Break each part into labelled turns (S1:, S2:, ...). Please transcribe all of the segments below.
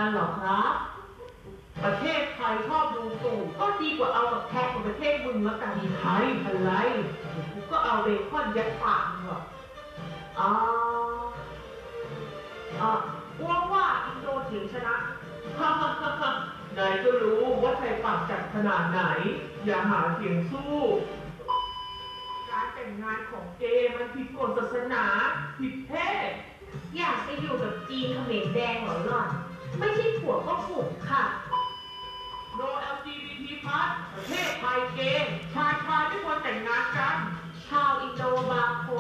S1: เหรอครับประเทศไทยชอบดูตู่ก็ดีกว่าเอากับแท็กของประเทศมึงแล้วกันไทยอะไรกูก็เอาเบคอนยัดปากมึงหรอกอ่าว่าอินโดเถียงชนะฮ่าฮ่าฮ่าฮ่านายก็รู้ว่าไทยปากจัดขนาดไหนอย่าหาเสียงสู้การแต่งงานของเกย์มันผิดกฎศาสนาผิดเพศ
S2: อยากไปอยู่กับจีนเขมรแดงเหรอหล่อน ไม่ใช่ผัวก็ขุนค่ะ
S1: No LGBT+ ประเทศไทยเกย์ชายไม่ควรแต่งงานกัน
S2: ชาวอินโดบางคน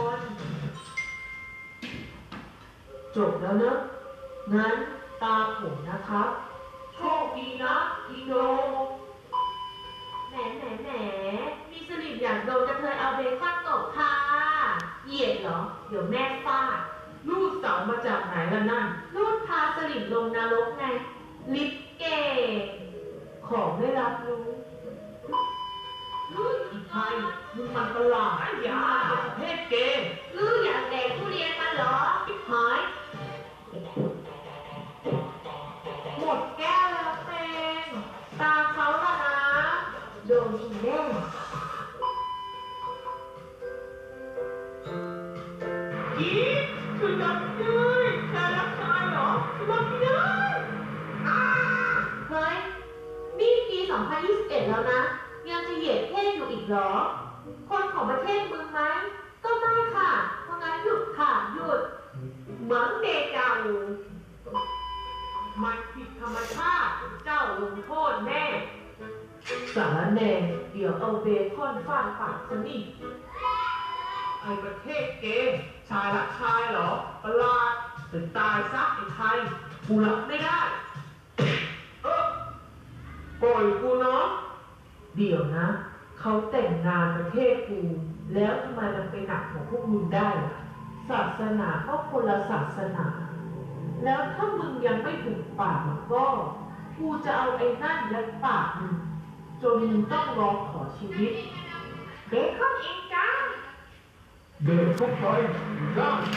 S1: จบแล้วเนอะงั้นตาผมนะครับ โชคดีนะอินโด
S2: แหม มีสลิมอยากโดนกระเทยเอาเบคอนตบค่ะ เหยียดเหรอ เดี๋ยวแม่ฟาด
S1: ลูกสาวมาจากไหนล่ะนั่น
S2: รูดพาสลิมลงนรกไง ลิปเกต
S1: ของไม่รับรู้อีไทยมึงมันประหลาดอย่าเป็นประเภทเกย์
S2: อยากแดกทุเรียนมันเหรอหาย หมดแก้วแล้วเต็งตาเขาละนะ โดนอีแน่
S1: อีคือรับเลยแต่รับชายเหรอรับไม่ได้อ้า
S2: เฮ้ย นี่ปี 2021 แล้วนะ ยังจะเหยียดเพศอยู่อีกเหรอ คนของประเทศมึงไหม ก็ไม่ค่ะ เพราะงั้นหยุดค่ะ หยุด เหมือนเดจาวู
S1: มันผิดธรรมชาติ เจ้าลงโทษแน่ สารแหน่เดี๋ยวเอาเบคอนฟาดปากซะนี่ไอประเทศเกย์ชายรักชายเหรอ ประหลาดถึงตายซะไอ้ไทยกูรับไม่ได้ ปล่อยกูเนาะเดี๋ยวนะ เขาแต่งงานประเทศกู แล้วทำไมมันไปหนักของพวกมึงได้ล่ะ ศาสนาก็คนละศาสนา แล้วถ้ามึงยังไม่ถึงปากมันก็ กูจะเอาไอ้นั่นยัดปากมึงจนมึงต้องร้องขอชีวิต
S2: เบคอนเองจ้า
S3: เดินเข้าไปได้